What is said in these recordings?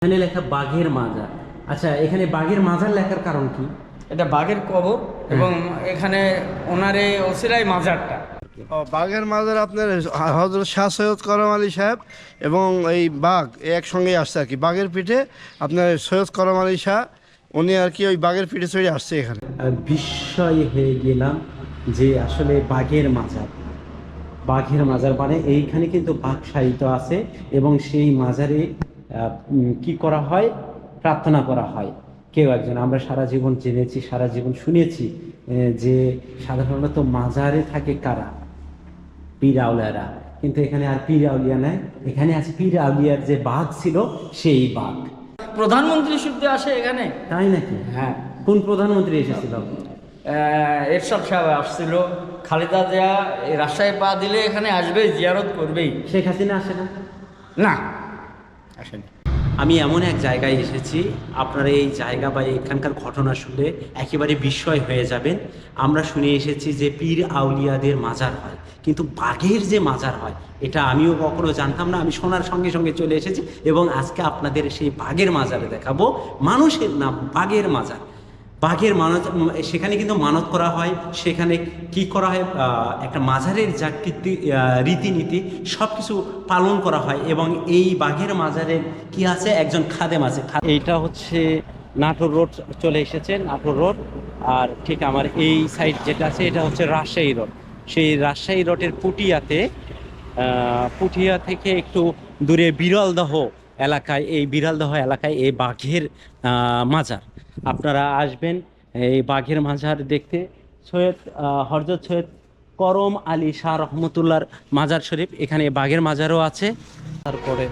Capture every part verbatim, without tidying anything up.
এখানে লেখা বাঘের মাজার। আচ্ছা, এখানে বাঘের মাজার লেখার কারণ কি? এটা বাঘের কবর এবং এখানে ওনার এই ওসিলাই মাজারটা। ও বাঘের মাজার আপনার হযরত শাহ সৈয়দ করম আলী সাহেব এবং এই বাঘ একসঙ্গেই আসছে আর কি। বাঘের পিঠে আপনার সৈয়দ করম আলী শাহ উনি আর কি ওই বাঘের পিঠে চড়ে আসছে এখানে। বিস্ময় হয়ে গেলাম যে আসলে বাঘের মাজার, বাঘের মাজার মানে এইখানে কিন্তু বাঘ সাহিত্য আছে এবং সেই মাজারে কি করা হয়, প্রার্থনা করা হয়। কেউ একজন, আমরা সারা জীবন জেনেছি, সারা জীবন শুনেছি যে সাধারণত মাজারে থাকে কারা? পীর আউলিয়ারা। কিন্তু এখানে আর পীর আউলিয়া নাই, এখানে আছে পীর আউলিয়ার যে বাঘ ছিল সেই বাঘ। প্রধানমন্ত্রী শুদ্ধ আসে এখানে, তাই নাকি? হ্যাঁ। কোন প্রধানমন্ত্রী এসেছিল? এরশাদ সাহেব আসছিল। খালেদা জিয়া এই রাজশাহী পা দিলে এখানে আসবে, জিয়ারত করবেই। শেখ হাসিনা আসে না? না, আসেনি। আমি এমন এক জায়গায় এসেছি, আপনারা এই জায়গা বা এখানকার ঘটনা শুনলে একেবারে বিস্ময় হয়ে যাবেন। আমরা শুনে এসেছি যে পীর আউলিয়াদের মাজার হয়, কিন্তু বাঘের যে মাজার হয় এটা আমিও কখনো জানতাম না। আমি শোনার সঙ্গে সঙ্গে চলে এসেছি এবং আজকে আপনাদের সেই বাঘের মাজারে দেখাবো। মানুষের নাম বাঘের মাজার। বাঘের মানত, সেখানে কিন্তু মানত করা হয়, সেখানে কি করা হয়, একটা মাজারের যা কীর্তি রীতিনীতি সব কিছু পালন করা হয়। এবং এই বাঘের মাজারের কি আছে, একজন খাদেম আছে। এইটা হচ্ছে নাটোর রোড চলে এসেছে, নাটোর রোড। আর ঠিক আমার এই সাইড যেটা আছে এটা হচ্ছে রাজশাহী রোড। সেই রাজশাহী রোডের পুঠিয়াতে, পুঠিয়া থেকে একটু দূরে বিরলদহ এলাকায়, এই বিরলদহ এলাকায় এই বাঘের মাজার। আপনারা আসবেন এই বাঘের মাজার দেখতে। সৈয়দ হযরত সৈয়দ করম আলী শাহ রহমতুল্লাহর মাজার শরীফ, এখানে বাঘের মাজারও আছে। তারপরে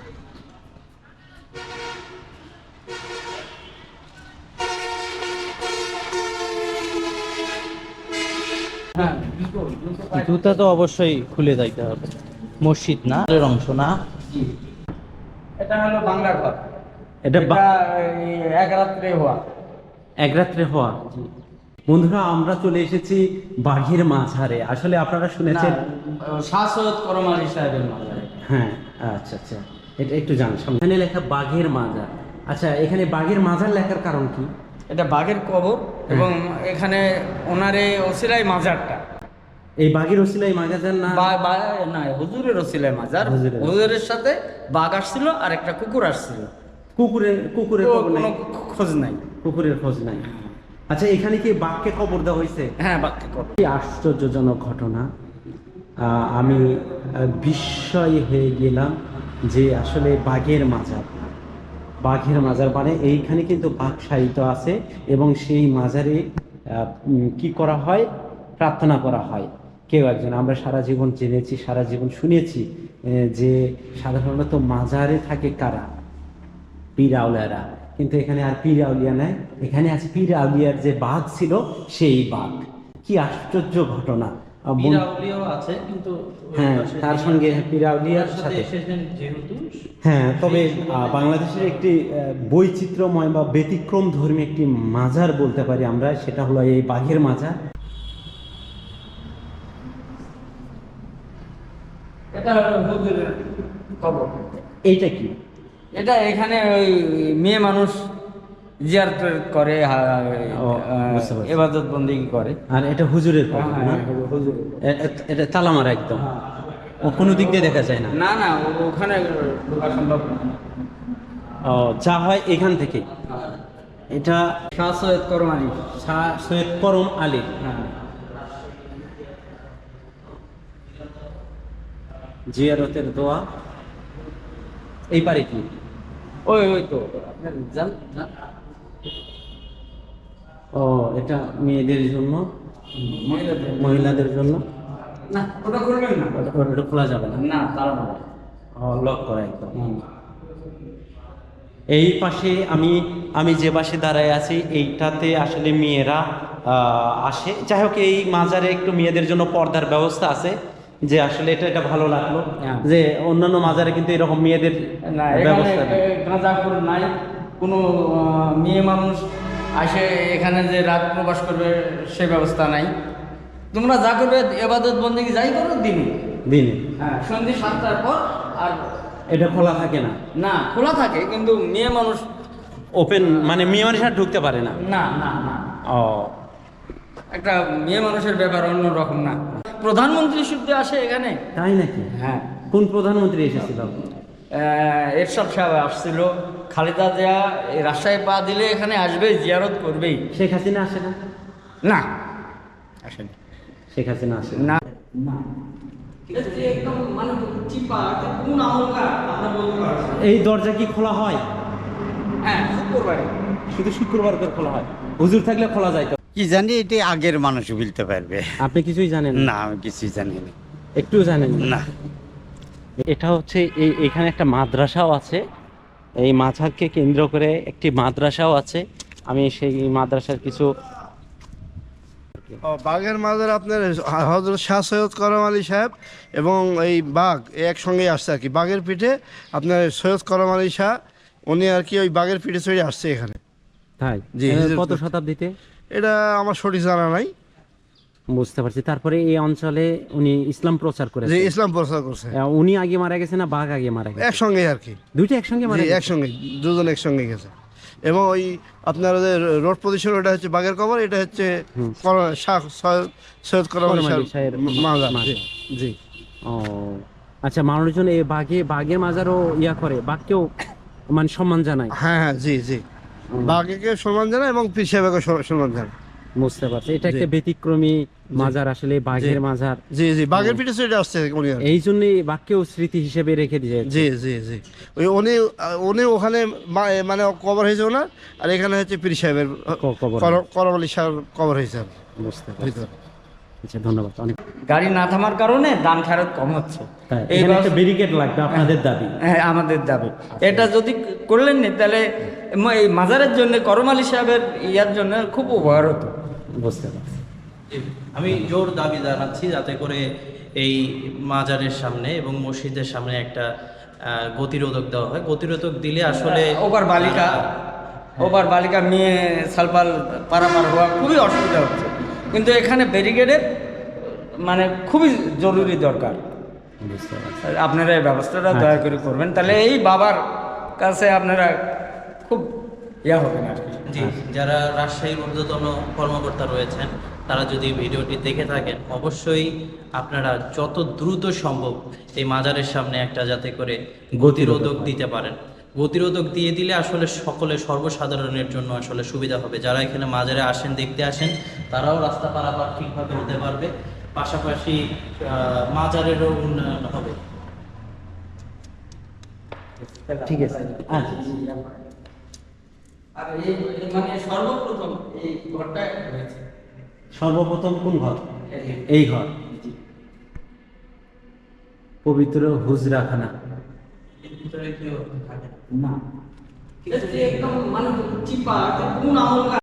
হ্যাঁ, জুতা তো অবশ্যই খুলে যাইতে হবে। মসজিদ না, এর অংশ না। এটা হলো বাংলা ঘর। এটা এটা এই এক রাত্রে হওয়া। এক রাত্রে হওয়া। বন্ধুরা, আমরা চলে এসেছি বাঘের মাঝারে। আসলে আপনারা শুনেছেন শাহ সৈয়দ করম আলী সাহেবের মাজার। হ্যাঁ, আচ্ছা আচ্ছা, এটা একটু জানি। এখানে লেখা বাঘের মাজার। আচ্ছা, এখানে বাঘের মাজার লেখার কারণ কি? এটা বাঘের কবর এবং এখানে ওনার এই ওসিলাই মাজারটা। এই বাঘের ওসিলাই মাজার না? বা- বা- না, হুজুরের ওসিলাই মাজার। হুজুরের। হুজুরের সাথে বাঘ আসছিল আর একটা কুকুর আসছিল। কুকুরের কুকুরের ও, খবর নাই? কোনো খোঁজ নাই। কুকুরের খোঁজ নাই। আচ্ছা, এখানে কি বাঘকে কবর দেওয়া হয়েছে? হ্যাঁ, বাঘকে কবর। কি আশ্চর্যজনক ঘটনা! আহ, আমি আহ, বিস্ময় হয়ে গেলাম যে আসলে বাঘের মাজার, বাঘের মাজার মানে এইখানে কিন্তু বাঘ সাহিত্য আছে এবং সেই মাজারে কি করা হয়, প্রার্থনা করা হয়। কেউ একজন, আমরা সারা জীবন জেনেছি, সারা জীবন শুনেছি যে সাধারণত মাজারে থাকে কারা? পীর আউলিয়ারা। কিন্তু এখানে আর পীর আউলিয়া নাই, এখানে আছে পীর আউলিয়ার যে বাঘ ছিল সেই বাঘ। কি আশ্চর্য ঘটনা! আছে কিন্তু হ্যাঁ, তার সঙ্গে পীর আউলিয়ার সাথে। হ্যাঁ, তবে বাংলাদেশের একটি বৈচিত্র্যময় বা ব্যতিক্রম ধর্মী একটি মাজার বলতে পারি আমরা, সেটা হলো এই বাঘের মাজার। এটা হলো হুজুরের কবর। এইটা কি? এটা এখানে ওই মেয়ে মানুষ জিয়ারত করে, ও, বুঝতে পারছি। ইবাদত বন্দেগী করে। আর এটা হুজুরের কবর না? হুজুরের। এ- এ- এটা তালামারা একদম, ও কোনো দিক দিয়ে দেখা যায় না। না না, ও- ওখানে ঢোকা সম্ভব না। ও, যা হয় এখান থেকে। এটা শাহ সৈয়দ করম আলী। শাহ সৈয়দ করম আলী। হ্যাঁ, জিয়ারতের দোয়া। এই পারে কি? ওই ওই তো আপনার জান জান। ও, এটা মেয়েদের জন্য, মহিলাদের। মহিলাদের জন্য। না, ওটা করবেন না। ওটা ওটা খোলা যাবে না? না, তারা মারা। ও, লক করা একদম। এই পাশে আমি আমি যে পাশে দাঁড়ায় আছি এইটাতে আসলে মেয়েরা আহ, আসে। যাই হোক, এই মাজারে একটু মেয়েদের জন্য পর্দার ব্যবস্থা আছে, যে আসলে এটা এটা ভালো লাগলো হ্যাঁ। যে অন্যান্য মাজারে কিন্তু এরকম মেয়েদের না, এখানে ব্যবস্থা নেই। গাঁজাখোর নাই। কোনো আহ, মেয়ে মানুষ আসে এখানে যে রাত প্রবাস করবে সে ব্যবস্থা নাই। তোমরা যা করবে ইবাদত বন্দেগী যাই করো দিনে। দিনে। হ্যাঁ, সন্ধ্যে সাতটার পর। আর এটা খোলা থাকে না, না খোলা থাকে কিন্তু মেয়ে মানুষ ওপেন মানে মেয়ে মানুষ আর ঢুকতে পারে না। না না না ও একটা মেয়ে মানুষের ব্যাপার অন্যরকম না। প্রধানমন্ত্রী শুদ্ধ আসে এখানে। তাই নাকি? হ্যাঁ, কোন প্রধানমন্ত্রী এসেছিল? আহ, এরশাদ সাহেব আসছিল। খালেদা জিয়া এই রাজশাহী পা দিলে এখানে আসবে, জিয়ারত করবেই। শেখ হাসিনা আসে না? না আসেনি। শেখ হাসিনা আসে না। না না একদম মানে চিপা কোন আমলকার আমরা বলতে পারছি না। এই দরজা কি খোলা হয়? হ্যাঁ, শুক্রবারে শুধু শুক্রবার করে খোলা হয়? হুজুর থাকলে খোলা যায় তো? কি জানি, এটা আগের মানুষ বলতে পারবে। আপনি কিছুই জানেন না, আমি কিছুই জানি না। একটু জানেন না, এটা হচ্ছে এই এখানে একটা মাদ্রাসাও আছে, এই মাঝারকে কেন্দ্র করে একটি মাদ্রাসাও আছে। আমি সেই মাদ্রাসার কিছু ও, বাঘের মাজার আপনার হজরত শাহ সৈয়দ করম আলী সাহেব এবং এই বাঘ এ একসঙ্গেই আসছে আর কি। বাঘের পিঠে আপনার সৈয়দ করম আলী শাহ উনি আর কি ওই বাঘের পিঠে চড়ে আসছে এখানে। তাই জি, এ, হিজরত কত করতে। শতাব্দীতে? এটা আমার সঠিক জানা নাই, বুঝতে পারছি। তারপরে এই অঞ্চলে উনি ইসলাম প্রচার যে করেছেন। ইসলাম প্রচার করছে আহ, উনি আগে মারা গেছে না বাঘ আগে মারা গেছে? একসঙ্গে আর কি। দুইটা একসঙ্গে মারা জি, গেছে? একসঙ্গে দুজন একসঙ্গে গেছে। এবং ওই আপনার ওদের রোড পজিশন, ওটা হচ্ছে বাঘের কবর, এটা হচ্ছে কর- শাহ সৈয়দ- সৈয়দ করম আলী করম আলী শাহের শাহের মাজার। জি, মাজার। জি ও আচ্ছা, মানুষজন এই বাঘে বাঘের মাজারও ইয়া করে, বাঘকেও মানে সম্মান জানায়। হ্যাঁ হ্যাঁ জি জি বাঘকে সম্মান জানায় এবং পীর সাহেবকে সম্মান জানায়। বুঝতে পারছি, এটা একটা জি। ব্যতিক্রমী মাজার আসলে, বাঘের জি। মাজার। জি জি বাঘের পিঠে চড়ে আসছে উনি আর কি। এই জন্যই বাঘকেও স্মৃতি হিসেবে রেখে দিয়ে। জি জি জি ওই উনি উনি ওখানে মা- মানে কবর হয়েছে ওনার, আর এখানে হচ্ছে পীর সাহেবের ক- কবর। কর- করম আলী সাহেব কবর হয়েছে আর কি। বুঝতে পারছি। ভিতরে। আচ্ছা, ধন্যবাদ অনেক। গাড়ি না থামার কারণে দান খেরত কম হচ্ছে। তাই, এই এখানে একটা ব্যবস্থা- ব্যারিকেড লাগবে আপনাদের দাবি। হ্যাঁ, আমাদের দাবি এটা যদি করলেন না, তাহলে ম- এই মাজারের জন্য করম আলী সাহেবের ইয়ার জন্য খুব উপকার হতো। বুঝতে পারছি। আমি জোর দাবি জানাচ্ছি যাতে করে এই মাজারের সামনে এবং মসজিদের সামনে একটা আহ, গতিরোধক দেওয়া হয়। গতিরোধক দিলে আসলে ওভার বালিকা ওভার বালিকা মেয়ে সালপাল পারাপার হওয়া খুবই অসুবিধা হচ্ছে, কিন্তু এখানে ব্যারিকেডের মানে খুবই জরুরি দরকার। বুঝতে পারছি। আপনারা এই ব্যবস্থাটা দয়া করে করবেন, তাহলে এই বাবার কাছে আপনারা খুব ইয়া হবেন আর কি। জি, যারা রাজশাহীর ঊর্ধ্বতন কর্মকর্তা রয়েছেন তারা যদি ভিডিওটি দেখে থাকেন, অবশ্যই আপনারা যত দ্রুত সম্ভব এই মাজারের সামনে একটা যাতে করে গতিরোধক দিতে পারেন। গতিরোধক দিয়ে দিলে আসলে সকলে সর্বসাধারণের জন্য আসলে সুবিধা হবে। যারা এখানে মাজারে আসেন, দেখতে আসেন, তারাও রাস্তা পারাপার ঠিকভাবে হতে পারবে, পাশাপাশি আহ, মাজারেরও উন্নয়ন হবে। ঠিক আছে। আচ্ছা, আর এই এই মানে সর্বপ্রথম এই ঘরটা হয়েছে। সর্বপ্রথম কোন ঘর? এই ঘর পবিত্র হুজরাখানা। এর ভিতরে কেউ থাকে না। না, ঠিক আছে, একদম মানে চিপা কোন আমল